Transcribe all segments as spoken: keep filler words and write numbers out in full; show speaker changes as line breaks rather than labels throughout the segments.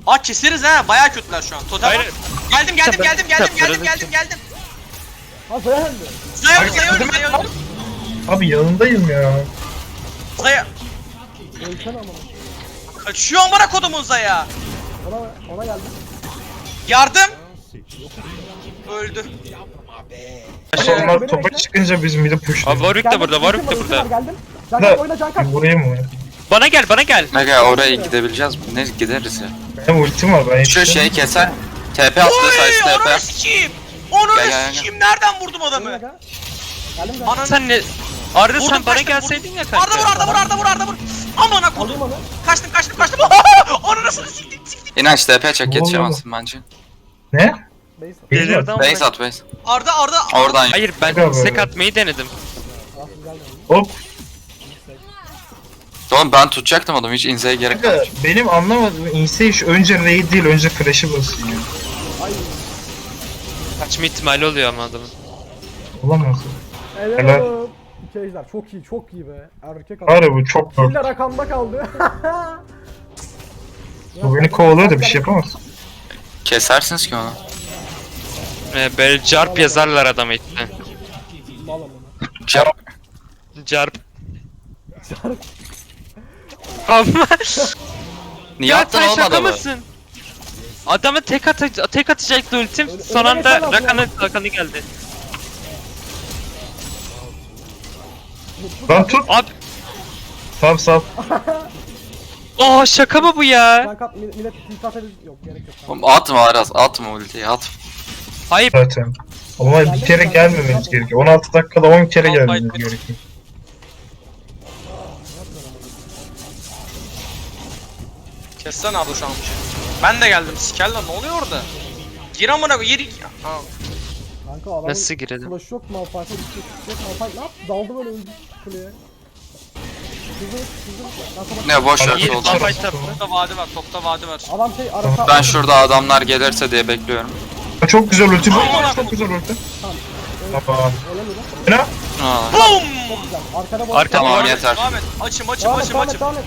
Aa keseriz ha. Bayağı kötüler şu an. Totem.
Hayır.
Geldim geldim
Kitap-
geldim geldim
kitapları
geldim geldim geldim.
Ha Zaya öldü.
Zaya
Abi,
Zaya öldü Zaya öldü.
Abi yanındayım ya.
Zaya.
Ölsene ama.
Kaçıyor amına kodumun Zaya.
Ona, ona geldi.
Yardım. Öldü.
Onlar
beni
topa
bekle.
çıkınca biz midi
Abi
pushluyoruz.
Warwick de
Geldim,
burada, Warwick de
ultim var,
burada.
ultim var, geldim. Can
Da
kap oyna can kap.
vurayım mı?
Bana gel, bana gel.
Mega oraya gidebileceğiz mi? Ne gideriz ya.
Benim ultim var ben
Şu
yetiştim.
şeyi keser. T P attığı sayısı
Oy
T P.
onu sikeyim. Onu
Gel, gel, gel.
sikeyim. Nereden vurdum
Oyna
adamı?
can. Geldim can.
Ananı.
Sen ne? Arda
Vurdum,
sen bana
kaçtım,
gelseydin ya
Arda vur
kanka.
Arda vur Arda vur Arda vur. Amına kodum.
Alayım onu.
Kaçtım kaçtım kaçtım. Onu nasıl siktim siktim.
İnanç T P çek
Ne
yetişemezsin bence.
Ne?
Base.
Delirdi ama.
Base at base.
Arda Arda.
Oradan
Hayır ben
Gel
sek
böyle.
atmayı denedim.
Rahatsız geldi.
Hop.
Oğlum ben tutacaktım adamı hiç inzeye gerek
Kanka,
yok.
benim anlamadığım inse iş önce raid değil önce flash'ı basıyor.
Ay.
Kaçma ihtimali oluyor ama adamın.
Olamaz.
Helal
Helal.
olsun. İki ejder çok iyi çok iyi be. Erkek adam.
Var ya bu çok zor.
Killer rakamda kaldı.
Bu beni kovalıyor da bir şey yapamaz.
Kesersiniz ki onu.
Ee, böyle carp yazarlar adama işte.
Mal amına.
Çar
Carp. Ama
Niye
ya
attın
sen
oğlum
şaka
adamı?
mısın? Adamı tek, ata tek atacaktı ultim.
Öyle-
Son
öyle
anda
geçemez
Rakan'ı Rakan'ı geldi.
Lan tut.
Abi
Tamam sal.
aa şaka mı bu ya?
Can kap millet millet tilt atabilir. Yok gerek yok. Tamam.
Oğlum atma Aras atma ultiyi at.
Hayır
Zaten. Ama bir kere gelmememiz gerekiyor. on altı dakikada on kere
Al,
gelmemiz
fight.
gerekiyor.
Kessene abla şu an bir şey. Ben de geldim. Sikel lan ne oluyor orada? Gir amına koy. Yeri. Ha.
Kanka adamın
nasıl girelim?
flash yok Malphite'e düştü. Yok Malphite ne yaptı? Daldı böyle öldü kuleye. Hızlı hızlı. Ben sana-
Ne boş ver
İyi,
soldan.
Malphite tarafı.
Topta vadi var. Topta vadi var.
Adam şey arasa.
Ben şurada adamlar gelirse diye bekliyorum.
Çok güzel ulti.
Aman
Çok güzel ulti.
Tamam.
Tamam.
Öyle mi?
Ne?
Aa.
Boom!
Güzel. Arkada bu.
Arka-
Tamam
Devam et,
yeter.
Devam et. Açım açım
Devam et,
açım
devam et,
açım.
devam et.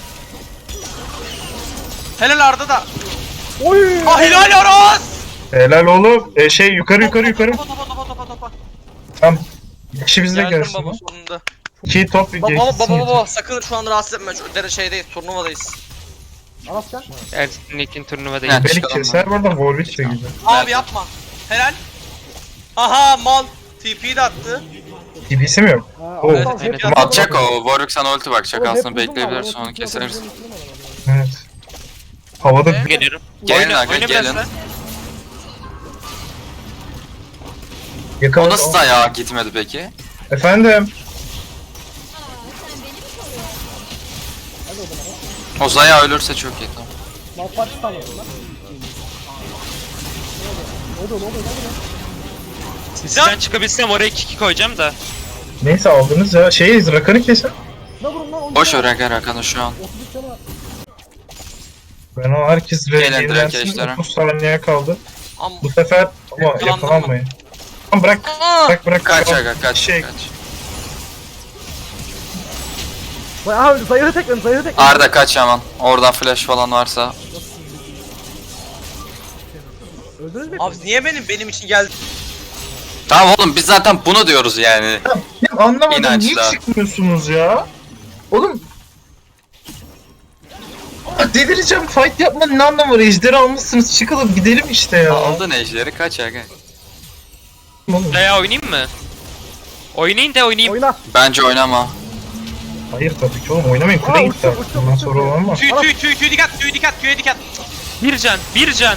Helal Arda da.
Oy!
Ah helal Aras!
Helal oğlum. E, şey yukarı yukarı yukarı.
Topa topa topa topa topa.
Tamam. Kişi bizde
Geldim
gelsin.
baba
lan.
sonunda.
İki top
Baba
geçsin.
baba
yeter.
baba sakın şu an rahatsız etme. Şu dere şeydeyiz, turnuvadayız.
Aras gel.
Ersin ikin turnuva değil.
Yani-
Beni
Çıkalım
keser burada Warwick de gidiyor.
Abi yapma. Helal. Aha mal. T P'yi de attı.
T P'si mi yok?
Ha,
Oo.
Aras hep-
Evet,
hep-
Atacak o. Warwick sana ulti bakacak
Oğlum, hep
aslında
uzun var,
bekleyebilirsin
o
onu
ulti
keseriz.
atabileceğini düşünemem ama.
Evet. Havada
Evet.
Geliyorum.
Gelin
Oyna-
aga
oyna biraz
gelin.
sen.
O
yakaladı.
nasıl da ya gitmedi peki?
Efendim.
Hadi o zaman.
O Zaya ölürse çok iyi tamam.
Malphite stun yapın lan. Ne oluyor? Ne oluyor? Ne oluyor?
Sizden çıkabilsem oraya kiki koyacağım da.
Neyse aldınız ya. Şey Rakan'ı kesin.
Ne vurun lan? on
Boş
canı
ver
var.
aga Rakan'ı şu an.
otuz üç canı var.
Ben o herkes
Gelin direkt
yenilensin.
ejdere.
otuz saniye kaldı.
Am
Bu sefer ama
Yakalandım
yakalanmayın. Tamam bırak.
Aa!
Bırak bırak.
Kaç
Tamam.
aga kaç
Şey,
kaç.
Zaya abi zayıfı tekledim. Zayıfı tekledim.
Arda kaç hemen. Oradan flash falan varsa.
Öldünüz mü?
Abi niye benim benim için geldi?
Tamam oğlum biz zaten bunu diyoruz yani.
Ya anlamadım
İnançlar.
niye çıkmıyorsunuz ya? Oğlum. Aa, delireceğim fight yapmanın ne anlamı var? Ejderi almışsınız çıkalım gidelim işte ya.
Aldın ejderi kaç aga.
Oğlum,
Veya oynayayım mı? Oynayın da oynayayım.
Oyna.
Bence oynama.
hayır tabii ki oğlum oynamayın
Aa,
kule gitti
uçtu,
artık.
uçtu,
Bundan
uçtu.
sonra olan var.
Tüy tüy tüy tüy dikkat tüy dikkat tüye dikkat.
Bir can, bir can.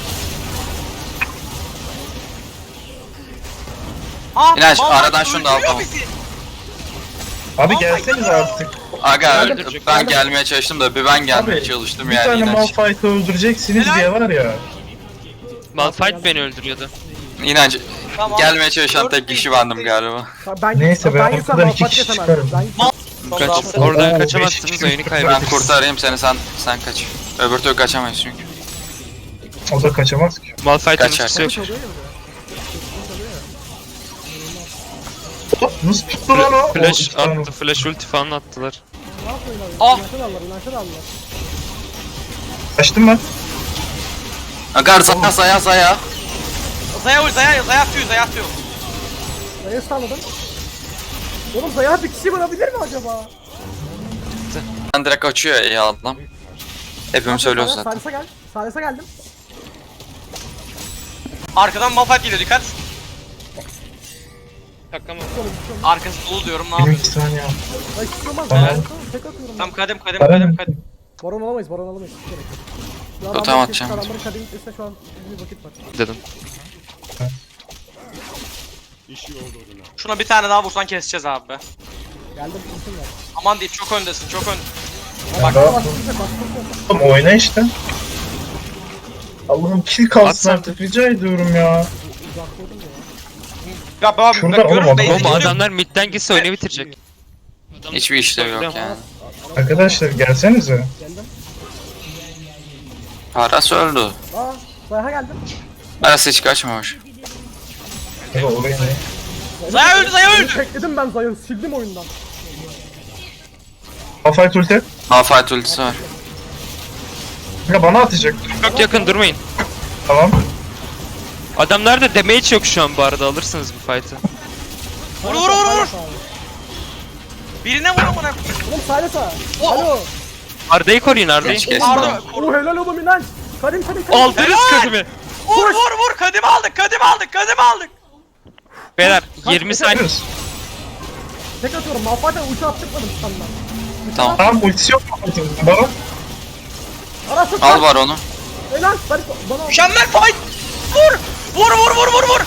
Ah,
İnanç,
mal
aradan
bak,
şunu da al,
öldürüyor
tamam.
bizi.
Abi
Aa,
gelseniz artık.
Aga
Öldürecek.
ben gelmeye çalıştım da bir ben gelmeye
Abi,
çalıştım
Bir
yani
tane
inanç.
Malphite'ı öldüreceksiniz
Helal.
diye var ya.
Malphite beni öldürüyordu.
İnanç
Tamam.
gelmeye çalışan tek
Dört
kişi
değil,
bendim
dört
galiba.
Ben,
Neyse, ben
ben
ortadan iki
Malphite
kişi
kesemem.
çıkarım.
Ben
Son
Kaç,
round.
oradan
Oo,
kaçamazsınız
beş
oyunu
kişi-
Ben
kaybederiz.
kurtarayım seni sen sen kaç. Öbür türlü kaçamayız çünkü.
O da kaçamaz ki.
Malphite'ın
Kaçar.
ultisi yok.
çalıyor ya bir de.
Hop, nasıl tuttu lan o?
Flash
O, tamam.
attı, flash ulti falan attılar.
Ne yapıyorlar?
Ah!
İnançlar aldılar. İnançlar aldılar.
Kaçtım ben.
Agar Zaya Zaya Zaya.
Zaya ul Zaya Zaya atıyor Zaya atıyor.
Zaya'yı sağladım. Oğlum Zaya bir kişi vurabilir mi acaba?
Ben direkt açıyor iyi adam. Hepimiz söylüyoruz zaten.
Salisa gel. Salisa geldim.
Arkadan Malphite geliyor dikkat.
Takamam.
Arkası dolu diyorum ne
Benim
yapıyorsun?
iki saniye.
Ay çıkılmaz.
Tamam.
Ben tek atıyorum.
Tam kadem kadem
Bana
kadem
ne?
kadem.
Baron alamayız, baron alamayız. Hiç gerek yok. Ya
Totem
adamların
atacağım.
kesin adamların kademi gitmesine şu an bir vakit var.
Dedim.
Şuna bir tane daha vursan keseceğiz abi be.
Geldim, ultim var.
Aman diyeyim çok öndesin çok ön.
Bak,
Daha-
bastıracak, bastıracak.
Oğlum oyna işte. Allah'ım kill kalsın
At sen
artık rica ediyorum ya.
Uzakladım ya.
Ya ben
Şurada
bakıyorum
oğlum,
base'e
Oğlum
gidiyor.
adamlar midden gitse oyunu bitirecek.
Hiçbir işlev yok yani.
Arkadaşlar gelsenize.
Geldim.
Paras öldü.
Aa, Zayha geldim.
Paras hiç kaçmamış.
Aga oraya ne?
Zaya öldü Zaya öldü.
Tekledim ben Zayha'yı, sildim oyundan.
Malphite ulti.
Malphite ultisi var.
Aga bana atacak.
Çok yakın durmayın.
Tamam.
Adamlarda damage yok şu an bu arada, alırsınız bu fight'ı.
Vur vur vur vur. Birine vur amına.
Oğlum Salisa.
O-
Alo.
Arda'yı koruyun Arda'yı.
Geç geç.
Pardon.
Oo helal oğlum inan. Kadim kadim kadim.
Aldınız
Helal!
kadimi.
Vur vur vur kadim aldık kadim aldık kadim aldık.
Beyler yirmi saniye.
Gidiyoruz.
Tek atıyorum. Malphite'e ulti attırmadım senden.
Tamam.
Tamam ultisi yok mu? Baron.
Arası
Al var onu.
Helal. Bari bana.
Mükemmel fight. Vur. Vur vur vur vur vur.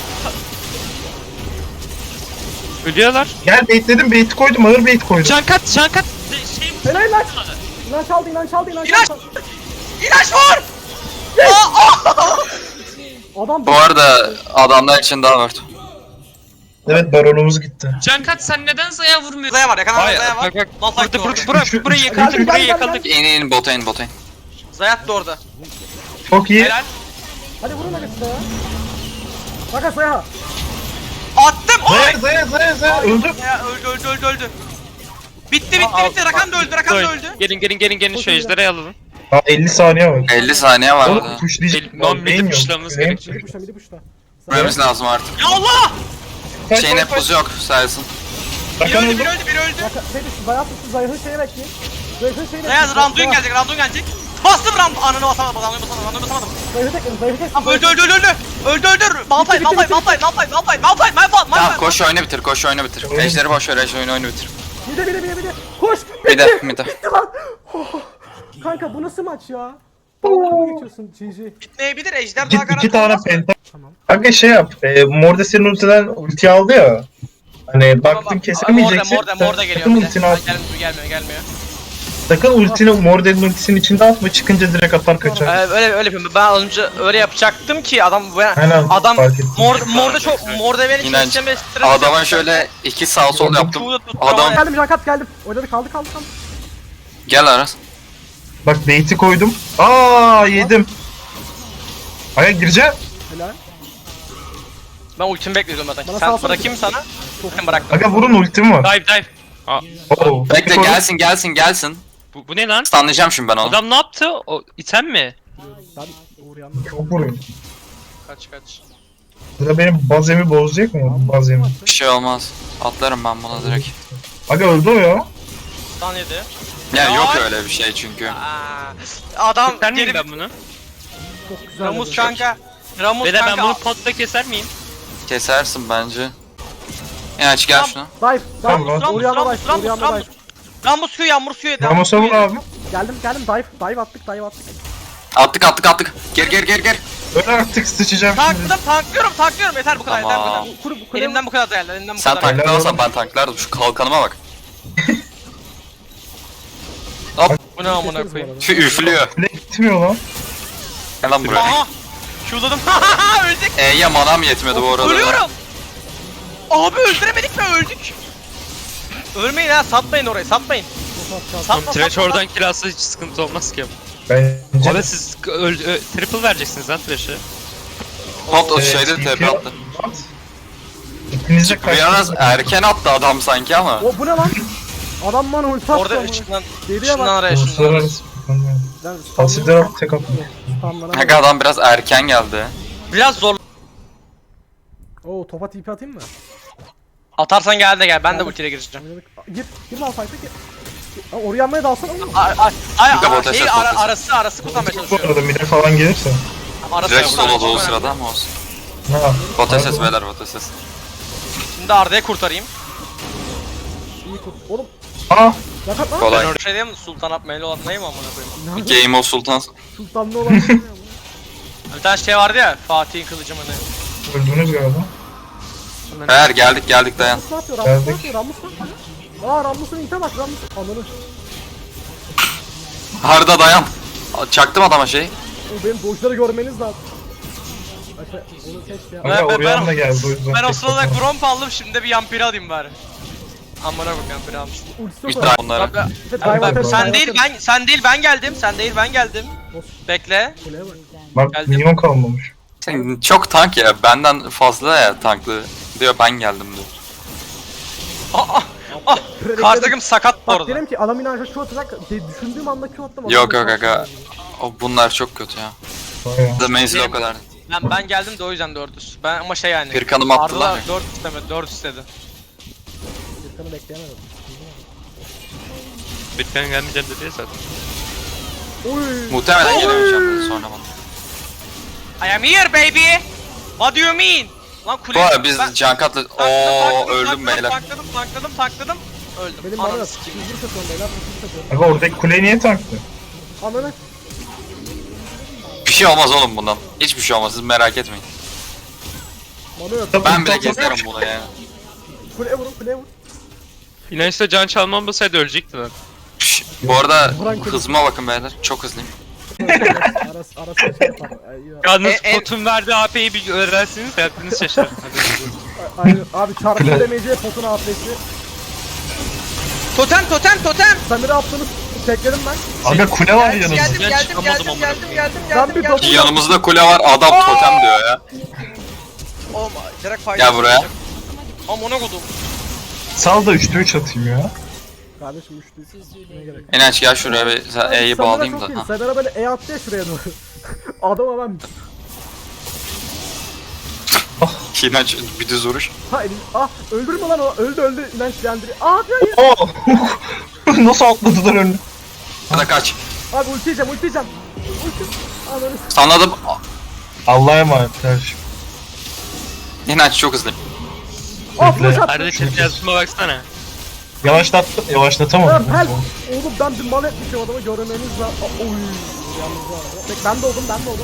Ölüyorlar.
Gel baitledim bait koydum ağır bait koydum.
Cankat cankat. Şey
Helal lan. İnan çaldı, inan çaldı, inan
İlaç.
çaldı.
İlaç vur. Aa, aa.
Adam
Bu arada adamlar için daha var.
Evet baronumuz gitti.
Cankat sen neden Zaya vurmuyorsun?
Zaya var yakalanan
Hayır
Zaya var.
bak bak.
Malphite
Burada
de
burada
orada.
bura, burayı
Geldim,
yakaladık burayı
geldim,
yakaladık.
İn in bota in bota in.
Zayat da orada.
Çok iyi.
Helal.
Hadi vurun hadi size ya. Bak Zayha.
Attım. Oy.
Zaya zaya zaya zaya öldü.
Ya öldü öldü öldü öldü. Bitti bitti bitti. Rakan da öldü Rakan da öldü.
Gelin gelin gelin gelin şu ejderhayı alalım.
Ha elli saniye var.
elli saniye var
Oğlum
burada.
pushlayacak.
Non
Beyin
midi
yok.
pushlamamız
Beyin
gerekiyor.
Midi puşla, midi puşla.
Görmemiz lazım artık.
Ya Allah.
Kaç,
Şeyin
kaç,
hep buzu yok sayesın.
Biri
Rakan
öldü
öldü.
biri öldü biri öldü.
Bak şey düştü, Zayha tuttu, Zayha'nın şeyi bekleyin. Zayha'nın şeyi
Zaya
bekleyin.
Randuin gelecek Randuin gelecek. Bastım Randuin. Ananı basamadım Randuin'i basamadım Randuin'i basamadım.
Zayha'yı tekledim, Zayha'yı tekledim.
Tamam öldü öldü öldü öldü. Öldü öldü. Malphite
bitti,
Malphite
bitti,
Malphite Malphite Malphite Malphite Malphite
Tamam
Malphite.
koş oyunu bitir koş oyunu bitir. Ejderi boş ver ejder oyunu oyunu bitir.
Mide mide mide mide. Koş.
Bir de
Bitti.
bir de.
Bitti lan. Oh. Kanka bu nasıl maç ya? Dalga geçiyorsun G G.
Bitmeyebilir ejder
İki,
daha garanti
iki tane
olmaz mı?
penta.
Tamam.
Aga şey yap. E, Morde senin ultiden ulti aldı ya. Hani baktın
Tamam,
kesemeyeceksin.
Morde Morde Morde geliyor
Sakın
bir de.
ultini at.
Gelmiyor gelmiyor gelmiyor.
Sakın ultini Morde'nin ultisinin içinde atma. Çıkınca direkt atar kaçar.
Ee, öyle öyle yapıyorum. Ben önce öyle yapacaktım ki adam
Aynen,
adam
fark ettim.
mor morda çok morda beni
İnanç.
keseceğim ve stres
Adama
yapacağım.
şöyle iki sağ sol yaptım.
Çoğu da tuttu
Adam
ama-
Geldim Jankat geldim. Oynadı kaldı kaldı kaldı.
gel Aras.
Bak bait'i koydum. Aa yedim. Aga gireceğim.
Helal.
Ben ultimi bekliyordum zaten.
Bana
Sen
salsana.
bırakayım sana. Ben bıraktım.
Aga vurun ultim var.
Dive dive. Aa,
Oo,
Bekle
koydum.
gelsin gelsin gelsin.
bu, bu ne lan?
Stunlayacağım şimdi ben onu.
Adam ne yaptı? O item mi?
Ben Uğur yandım.
Çok vuruyor.
Kaç kaç.
Burada benim bazemi bozacak mı? Bazemi.
Bir şey olmaz. Atlarım ben buna direkt.
Aga öldü o ya.
Stan yedi.
Ya yok
Ay.
öyle bir şey çünkü.
Aa, adam
Keser miyim
geri
ben bunu?
Çok güzel.
Ramus
oldu.
kanka. Ramus
Beyler
kanka.
ben bunu potta keser miyim?
Kesersin bence. İnaç gel şuna.
Dive. Dive.
Tamam.
Ramus
Uğur yanına
Ramus
dive. Uğur
Ramus
yanına
Ramus.
dive.
Ramus Q yağmur Q yedi.
Ramos'a vur abi.
Geldim geldim dive. Dive attık dive attık.
Attık attık attık. Gir gir gir gir.
Öyle artık sıçacağım şimdi.
Tankladım tanklıyorum tanklıyorum yeter bu kadar yeter bu
Tamam.
kadar.
Kuru bu kule.
Elimden bu kadar değerli elimden bu
Sen
kadar.
tanklasan ben tanklardım. Şu kalkanıma bak.
Bu ne amına koyayım.
Şu üflüyor.
Kule gitmiyor lan.
Gel lan buraya.
Aha. Q'ladım. Öldük.
E'ye manam yetmedi bu arada.
Ölüyorum. Abi öldüremedik mi öldük. Ölmeyin ha satmayın orayı satmayın. Satma
Trash
satma.
oradan kill alsa hiç sıkıntı olmaz ki.
Bence.
Abi siz öl, ö, triple vereceksiniz lan Trash'e.
Hop o
Evet,
şeyde
ilk
tepe
ya-
attı.
At. İkiniz de
Biraz
kaçtınız.
erken attı adam sanki ama.
O bu ne lan? Adam bana ulti attı.
Orada
amına.
ışından
Geriye bak.
ışından araya ışından araya.
Uluslararası. Sanmıyorum.
Ben
Pasifler tek atmıyor.
Kanka adam biraz erken geldi.
Biraz zor.
Oo topa tipi atayım mı?
Atarsan gel de gel. Ben de ultiyle gireceğim.
Gir, girme al fight'a gir. Aa, oraya yanmaya dalsana oğlum.
Ay ay ay,
Bir de
ay
bota
şey
ses,
ara,
bota ses.
arası arası kurtarmaya
Bu
çalışıyorum.
arada mide falan gelirse.
Arası
Direkt
kurtarmaya
solo o
çok
sırada
önemli.
ama olsun.
Ha.
Bota ses beyler bota ses.
Şimdi Arda'ya kurtarayım.
İyi kurt. Oğlum
Aa.
yakat lan.
Kolay.
Ben orada şey diyeyim mi? Sultan Abmeli olan neyim amına koyayım?
Game of Sultan.
Sultanlı olan şey ya bu.
Bir tane şey vardı ya. Fatih'in kılıcı mı ne?
Öldünüz galiba.
Beyler geldik geldik dayan.
Rammus ne yapıyor? Rammus ne
Geldik.
yapıyor? Rammus ne yapıyor? Aa Rammus'un ite bak Rammus. Ananı.
Harda dayan. Çaktım adama şey.
O benim dojları görmeniz lazım. Efe onu seç ya.
Ben-
Aga
ben-
Orion
ben-
da geldi o yüzden.
Ben o
tek
sırada
atamadım.
Gromp aldım. Şimdi de bir Yampiri alayım bari. Amına koyayım Yampiri almıştım.
Ultisi
Üç
yok
tane
o.
onlara.
Bak,
Efe
ben-
dive
ben-
atarım,
sen
dive
değil
atarım.
ben sen değil ben geldim. Sen değil ben geldim. Bekle.
Kuleye bak.
Bak
Geldim.
minyon kalmamış.
Sen çok tank ya benden fazla ya tanklı. Diyor ben geldim diyor.
Aa, ah, karşı takım sakat bu
Bak
arada.
dedim ki adam inanca Q atacak. de- Düşündüğüm anda Q attım. adam
Yok
da
yok
Q
aga.
atmadı.
O bunlar çok kötü ya.
Bayağı.
The menzili o kadar.
Ben, ben geldim de o yüzden dördüz. Ben ama şey yani.
Kırkanımı attılar
Arda
ya.
dört istemedi, dört istedi.
Gürkan'ı bekleyemedim.
Bitcoin gelmeyeceğim dedi ya zaten.
Oy.
Muhtemelen gelemeyeceğim dedi sonra bana.
I am here baby. What do you mean? Lan kule.
Bu arada biz
Ben-
Cankat'la
takladım,
ooo
takladım,
öldüm
takladım,
beyler.
Takladım, takladım, takladım. Öldüm.
Benim bana
Ananı
yok.
sikeyim.
Hızlı satıyorum beyler. Hızlı satıyorum.
Aga oradaki kule niye taktı?
Ananı.
Bir şey olmaz oğlum bundan. Hiçbir şey olmaz siz merak etmeyin.
Bana yok.
Ben bile gezerim bunu ya.
Kuleye vurun kuleye vur.
İnançta can çalmam olsaydı ölecekti lan.
Şş, bu arada
Buran kule.
hızıma bakın beyler. Çok hızlıyım.
Arası arası şey yapar. Ay, ya.
Yalnız
E, e-
potun verdiği A P'yi bir öğrensiniz hayatınız şaşar.
Aynen abi çarpı
Kule.
demeyeceği potun afesi.
Totem, totem, totem.
Samiri attığınız tekledim ben.
Aga kule var
Geldim,
yanımızda.
geldim,
Ben
geldim,
çıkamadım
geldim,
amına
geldim,
koyayım.
geldim,
Ben
geldim,
bir
geldim.
totem-
Yanımızda kule var adam totem diyor ya.
Oğlum direkt fayda.
Gel buraya.
Amına kodum.
Sal da üçte üç atayım ya.
Kardeşim üçlü. Ne gerek?
İnanç gel şuraya bir sen E'yi
Samira
bağlayayım
çok
da.
iyi.
Ha.
Samira böyle E attı ya şuraya doğru. Adama ben.
İnanç bir düz vuruş.
Ha elim. Ah öldürme lan o. Öldü öldü. İnanç yandırıyor. Ah hayır hayır.
Oo. Nasıl atladılar önüne?
Hadi kaç.
Abi ulti yiyeceğim ulti yiyeceğim. Ulti. Ananı s-
Sanladım.
Allah'a emanet kardeşim.
İnanç çok hızlıyım.
Ah flash attı.
Arada chat yazısıma baksana.
Yavaşlattım,
Ya
yavaşlatamadım.
pel. Oğlum ben bir mal etmişim adamı görmeniz lazım. Ah, oy. Yalnız bu arada. Bek ben de oldum ben de oldum.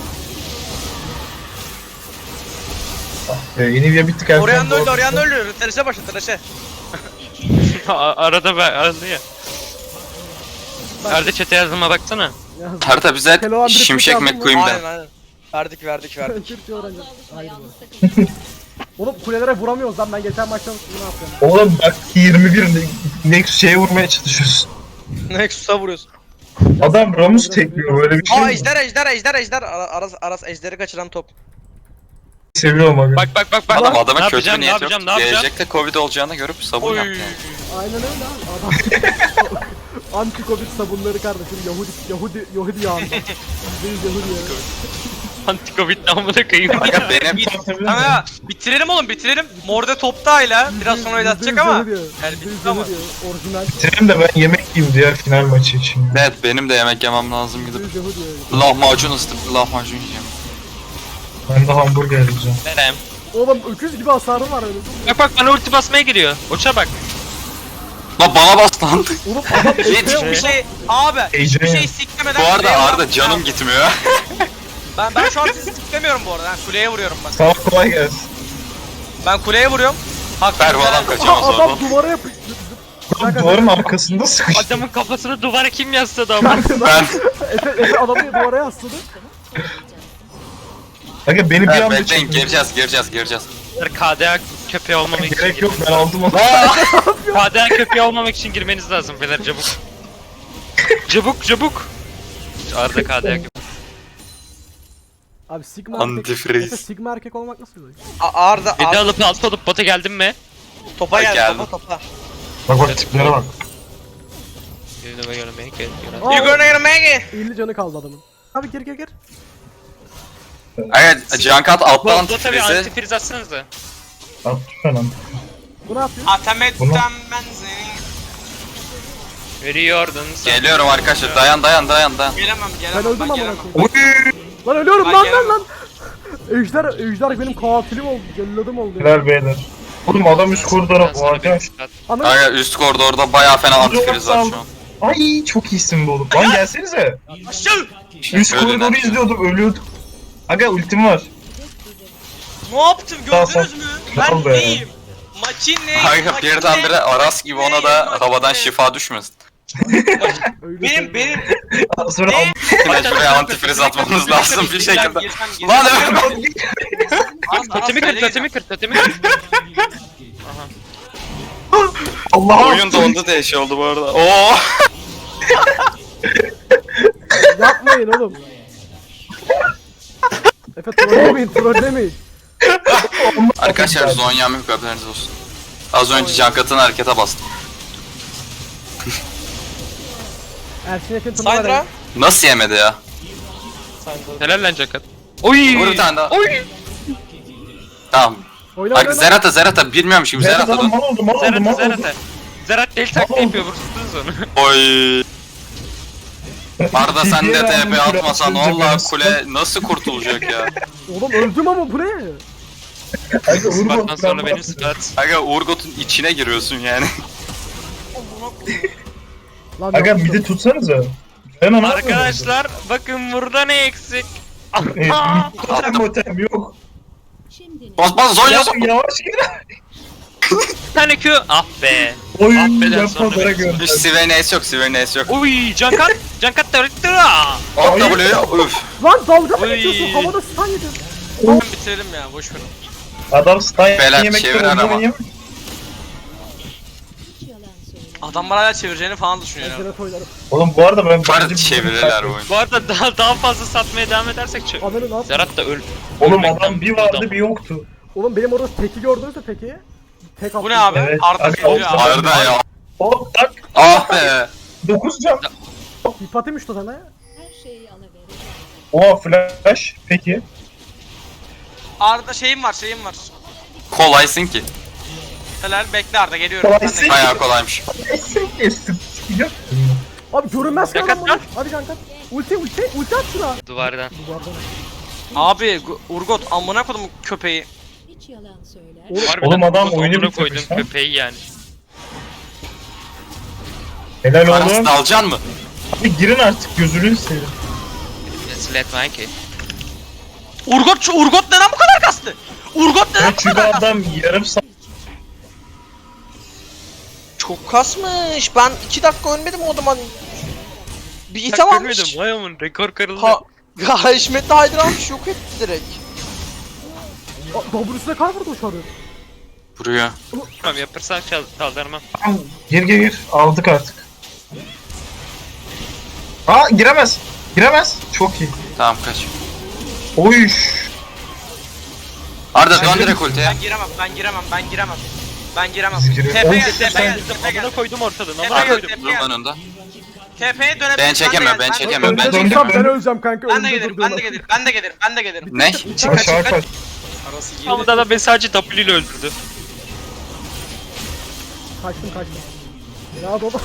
Ee, yeni bir bittik erken.
Orion
doğru.
öldü, Orion öldü. Tereşe başla, tereşe.
A- Arada ben arada ya. Arada chat'e yazıma baksana.
Yalnız.
Harita bize
Keloğlan bir
Şimşek
Türk yazdı mı?
McQueen'den.
Aynen, aynen. Verdik, verdik, verdik.
Türkçe öğreneceğim. Hayır bu. Oğlum kulelere vuramıyoruz lan ben geçen maçta bunu yapıyorum.
Oğlum bak yirmi bir ne, ne şeye vurmaya çalışıyorsun.
Nexus'a vuruyorsun.
Adam Ramus tekliyor böyle bir şey.
Aa
mi?
ejder, ejder, ejder, ejder. Ara- Aras, Aras ejderi kaçıran top.
Seviyorum aga.
Bak bak bak bak.
Adam
ne
adama kötü bir
yapacağım, ne
niyet yok.
yapacağım, ne yapacağım?
Gelecekte Covid olacağını görüp sabun
Oy.
yaptı. yani.
Aynen öyle abi adam. Anti-Covid sabunları kardeşim Yahudi Yahudi Yahudi yağında. Biz Yahudi ya.
Anti-Covid namına koyayım.
Aga benim
Tamam ya, bitirelim oğlum, bitirelim. Morde topta hala. Biraz sonra öyle atacak ama.
Yahudi ya.
Yani
Yüzde
bitti
yüz
ama.
Yahudi ya. Orijinal.
Bitirelim de ben yemek yiyeyim diğer final maçı için. ya.
evet benim de yemek yemem lazım
Yüzde
gidip.
yüz Yahudi ya.
Lahmacun ısıtıp lahmacun yiyeceğim.
Ben de hamburger yiyeceğim.
Verem.
Oğlum öküz gibi hasarım var öyle.
Bak bak bana ulti basmaya geliyor. Uça bak.
Lan bana bas lan.
Oğlum adam
Hiç bir şey abi, hiçbir şey siklemeden
Bu arada
kuleye
Arda
vuran-
canım gitmiyor.
Ben ben şu an sizi siklemiyorum bu arada. Ben kuleye vuruyorum ben.
Sağ ol, kolay gelsin.
Ben kuleye vuruyorum. Hak
Ver bu adam
güzel.
kaçamaz
Aa,
oradan.
adam duvara yapıştı.
Oğlum duvarın arkasında sıkıştı.
Adamın kafasını duvara kim yasladı ama?
Ben
Efe, Efe adamı duvara yasladı.
Aga beni bir
evet,
anda
bekleyin
çekin.
gireceğiz gireceğiz gireceğiz.
K D A köpeği olmamak için
Gerek yok
girmeniz
ben aldım onu.
K D A köpeği olmamak için girmeniz lazım beyler çabuk. Çabuk çabuk. Arda K D A köpeği.
Abi Sigma erkek.
Antifreeze.
Efe Sigma erkek olmak nasıl oluyor?
A- Arda,
Bir de
Arda
alıp alt olup bota geldim mi?
topa geldi,
Geldim.
topa topa.
Bak bak tiplere bak.
gonna make it.
Aa,
You gonna gonna make it.
elli canı kaldı adamın. Abi gir gir gir.
Evet, Cankat alttan
Bu tabii
antifrizi.
antifriz atsanız da.
At falan.
Bu ne yapıyor?
Atametten
Bunu-
ben seni.
Veriyordun sen.
Geliyorum arkadaşlar, dayan dayan dayan dayan.
Gelemem
Ben
gelemem
öldüm
ben
amına
gelemem.
koyayım. Lan ölüyorum
Ben
lan lan
gelemem.
lan. Ejder, Ejder benim katilim oldu, celladım oldu. ya.
Helal beyler. Oğlum adam üst koridora
Sana bir
varken.
sıkat.
Ana
Kanka üst koridorda bayağı fena antifriz var şu an.
Ay çok iyisin bu oğlum. Lan gelsenize.
Aşağı.
Üst
Öyle
koridoru
lan.
izliyordum ölüyordum. Aga ultim var.
Ne yaptım
Sağ,
gördünüz
sağ.
mü?
Al
Ben
be.
neyim? Makine.
Kanka
makine,
birdenbire Aras gibi ona da
makine.
havadan şifa düşmesin.
öyle
Benim
söyleme.
benim.
Sonra
Ne?
Mecburen antifriz atmamız lazım bir şekilde.
Girsem, girsem,
Lan
girsem.
evet.
Aras,
Totemi
Aras,
kır,
söyle
totemi kır, totemi kır.
Allah
Oyun dondu diye şey oldu bu arada. Oo.
Yapmayın oğlum. Efe trollemeyin, trollemeyin.
Arkadaşlar Zonya'm yok, haberiniz olsun. Az önce Cankat'ın harekete bastım.
Ersin Ekin turnuva
Sandra.
verelim.
Nasıl yemedi ya?
Helal lan Cakat. Oy!
Vur bir tane daha.
Oy!
Tamam.
Oyna
Bak
oyna.
Zerata Zerata bilmiyormuş gibi
Zerat
Zerata
adam
dön.
mal oldu mal oldu
Zerat'a,
mal oldu.
Zerat'a. Zerat deli taktiği
Tamam.
yapıyor, vursunuz onu.
Oy. Arda sen de
T P'ye
T P
verdim,
atmasan
kule
Allah
atınca
kule nasıl kurtulacak ya?
Oğlum öldüm ama bu ne?
Aga Urgo
Spartan sonra benim spat.
Aga Urgot'un içine giriyorsun yani.
Lan
Aga
yapmışım.
bir de tutsanıza. Ben onu
Arkadaşlar bakın burada ne eksik.
Evet, totem motem yok.
Bas bas Zonya
Ya,
Zonya.
yavaş gel.
Bir tane Q. Ah be.
Oy
Affeden sonra
yapmalara
beni.
gönder.
Hiç Sivernais yok Sivernais yok.
Uy Cankat. Cankat da öğretti.
At W'ye üf.
Lan dalga mı
Oy.
geçiyorsun? Havada stun yedin.
Ben bitirelim ya boş verin.
Adam stun
Beyler,
yemekten
çevir
oyunu
arama.
oynayamıyor.
Adamlar hala çevireceğini falan düşünüyor. ya.
Zerat oynarım.
Oğlum bu arada ben...
Var çevirirler bu oyunu.
Bu arada daha daha fazla satmaya devam edersek çö-
Ananı ne yaptın?
Zerat da öl.
Oğlum
ölmekten
adam bir vardı
adam.
bir yoktu.
Oğlum benim orada teki gördünüz mü teki? Tek
Bu
attım.
ne abi?
Evet,
Arda
abi,
geliyor abi.
Arda ya.
Hop tak.
Ah be.
dokuz can.
Hipatim işte sana ya.
Her şeyi alıverir.
Oha flash. Peki.
Arda şeyim var şeyim var.
Kolaysın ki.
Helal bekle Arda geliyorum. Ben de
Kolaysın.
geliyorum.
Bayağı kolaymış.
Kesin kesin. Yok.
Abi görünmez ki
Yakat
adam bunu. Hadi kanka. Ulti ulti ulti at şuna.
Duvardan.
Duvardan.
Abi Gu- Urgot amına kodum köpeği.
Hiç yalan söyler.
Oğlum,
Harbiden
Oğlum adam
Urgot
oyunu
amına
bitirmiş
koydum
lan.
köpeği yani.
Helal
Aras
oğlum.
dalacan mı?
Abi girin artık gözünü seveyim.
Let's let Mikey.
Urgot şu Urgot neden bu kadar kastı? Urgot neden
Ya
bu
çünkü
kadar kastı?
adam yarım saat
Çok kasmış. Ben iki dakika ölmedim o zaman. Bir
Bak
item
görmedim,
almış.
vay aman rekor kırıldı.
Ha, ya Haşmetli Haydar almış yok etti direkt.
W'sine kar vurdu şu an.
Vuruyor.
Tamam yapırsan çal çaldırmam.
Tamam, gir gir gir. Aldık artık. Aa giremez. Giremez. Çok iyi.
Tamam kaç.
Oy.
Arda dön direkt ultiye.
Ben giremem, ben giremem, ben giremem. Ben giremem.
Biz girelim.
T P
Oğlum,
gel,
sen-
T P gel, T P
Amına
gel.
koydum ortadan.
Tepe
Amına
gel,
koydum.
tepe
Dur
gel.
lan önde.
T P'ye dönebilir.
Ben çekemem, ben
de-
çekemem, ben
Önce
çekemem.
tutsam ben öleceğim kanka.
Ben de
önümde
gelirim,
durduğuna.
ben de gelirim, ben de gelirim, ben de gelirim.
Ne?
Aşağı kaç.
Arası girdi.
Ama da beni sadece W ile öldürdü.
Kaçtım kaçtım. Ya baba.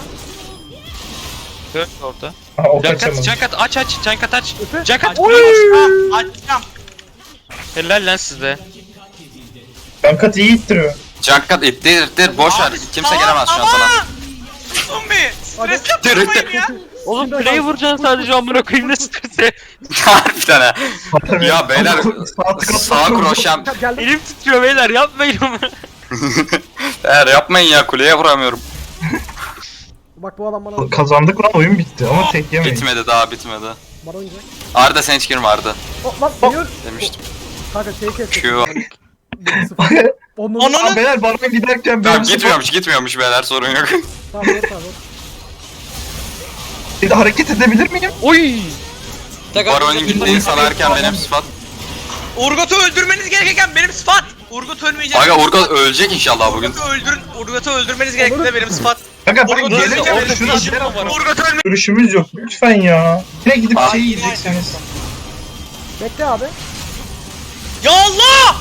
Dön orada.
Ha o
Cankat,
kaçamadı.
Cankat aç aç, Cankat aç.
Efe.
Cankat
Oy!
oy!
Açacağım.
Helal lan size.
Kankat iyi ittiriyor.
Cankat ittir ittir boş ver.
Abi,
Kimse
tamam,
gelemez şu an
ama-
sana.
Zombi! Stres
Dur,
yapmayın
dur.
ya.
Oğlum
Şimdi
play'i
adam-
vuracaksın sadece amına koyayım ne stresi.
Harbiden ha. Ya beyler sağ kroşem.
Geldim.
Elim titriyor beyler yapmayın onu.
Eğer yapmayın ya kuleye vuramıyorum.
Bak bu adam bana
Kazandık lan oyun bitti ama tek yemeyin.
Bitmedi daha bitmedi.
bana oynayacak.
Arda sen hiç girme Arda
Oh, lan geliyor.
demiştim.
Kanka şey kestik.
Q.
Onun
Ananı-
Aa beyler bana giderken
Tamam
benim
gitmiyormuş gitmiyormuş beyler sorun yok.
Tamam dur tamam.
Bir de hareket edebilir miyim?
Oy!
Baron'un gittiğini sanarken benim sıfat.
Urgot'u öldürmeniz gerekirken benim sıfat. Urgot ölmeyecek.
Aga Urgot ölecek inşallah bugün.
Urgot'u öldürün. Urgot'u öldürmeniz gerekirken benim sıfat.
Aga ben
Orada
geleceğim
orada
şuna
bir şey
Ejderha
var.
görüşümüz yok lütfen ya. Yine gidip
Aa,
şey
yine
yiyeceksiniz.
Bekle abi.
Ya Allah!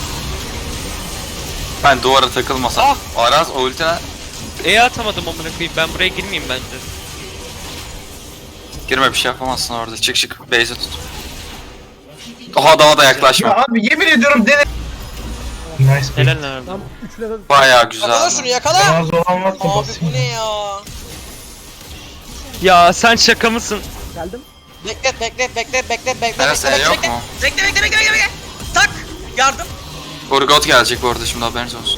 Ben duvara takılmasam.
Ah!
Aras o ultine
E atamadım amına koyayım. Ben buraya girmeyeyim bence.
girme bir şey yapamazsın orada. Çık çık base'e tut. Daha adama da yaklaşma.
Ya abi yemin ediyorum dene. Nice.
Helal lan Arda.
Tam üçüne de
Bayağı güzel.
Yakala şunu yakala.
Razı olan varsa
Abi bu
basayım.
ne ya?
Ya sen şaka mısın?
geldim.
Beklet beklet beklet beklet beklet
Neresi,
bekle
yok
bekle
mu?
bekle bekle bekle bekle bekle. Tak yardım.
Urgot gelecek bu arada şimdi haberiniz olsun.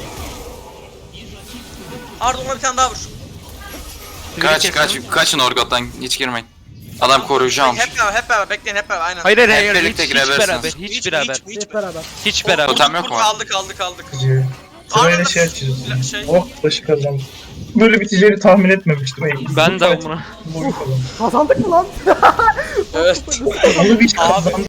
Arda ona bir tane daha vur.
Kaç kaç kaçın Urgot'tan hiç girmeyin. Adam koruyacağım.
Hep beraber hep beraber bekleyin hep beraber aynen.
Hayır hayır
Hep
hayır.
birlikte
Hiç, hiç
girebilirsiniz.
beraber. Hiç,
Hiç,
beraber.
hiç, hiç.
Hep beraber.
Hiç beraber.
Totem yok mu?
Aldık aldık aldık.
Sırayla
Arda
şey açacağız.
şey.
Oh başı kazandım. Böyle biteceğini tahmin etmemiştim. Ey,
Ben de
fight
amına.
bu kazandım.
Kazandık mı lan?
Evet.
Onu bir
Abi.
kazandım.